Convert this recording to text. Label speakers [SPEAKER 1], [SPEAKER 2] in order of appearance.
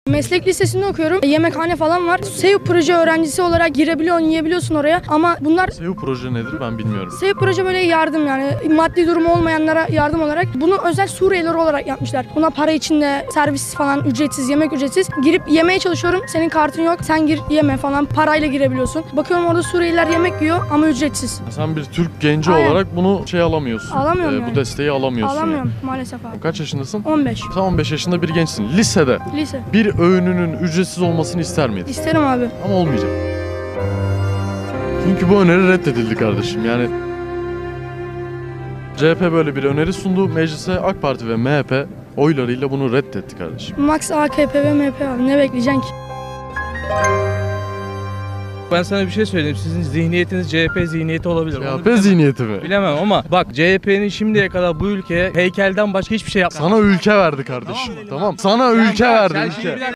[SPEAKER 1] Meslek lisesinde okuyorum. Yemekhane falan var. SEO proje öğrencisi olarak girebiliyorsun, yiyebiliyorsun oraya. Ama bunlar
[SPEAKER 2] SEO proje nedir ben bilmiyorum.
[SPEAKER 1] SEO proje böyle yardım, yani maddi durumu olmayanlara yardım olarak. Bunu özel Suriyeliler olarak yapmışlar. Buna para içinde servis falan ücretsiz, yemek ücretsiz. Girip yemeye çalışıyorum. Senin kartın yok. Sen gir yeme falan. Parayla girebiliyorsun. Bakıyorum orada Suriyeliler yemek yiyor ama ücretsiz.
[SPEAKER 2] Sen bir Türk genci
[SPEAKER 1] Aynen.
[SPEAKER 2] olarak bunu alamıyorsun.
[SPEAKER 1] Alamıyorum
[SPEAKER 2] Bu
[SPEAKER 1] yani.
[SPEAKER 2] desteği alamıyorsun.
[SPEAKER 1] Alamıyorum maalesef abi.
[SPEAKER 2] Kaç yaşındasın?
[SPEAKER 1] 15.
[SPEAKER 2] Sen 15 yaşında bir gençsin. Lisede
[SPEAKER 1] Lise.
[SPEAKER 2] bir öğününün ücretsiz olmasını ister miydin?
[SPEAKER 1] İsterim abi.
[SPEAKER 2] Ama olmayacak. Çünkü bu öneri reddedildi kardeşim. Yani CHP böyle bir öneri sundu. Meclise AK Parti ve MHP oylarıyla bunu reddetti kardeşim.
[SPEAKER 1] Max AKP ve MHP abi. Ne bekleyeceksin ki?
[SPEAKER 3] Ben sana bir şey söyleyeyim. Sizin zihniyetiniz CHP zihniyeti olabilir. Onu
[SPEAKER 2] CHP zihniyeti mi?
[SPEAKER 3] bilemem ama bak, CHP'nin şimdiye kadar bu ülkeye heykelden başka hiçbir şey yapmadı.
[SPEAKER 2] Sana ülke verdi kardeşim. Tamam. Sana ülke verdi, ülke.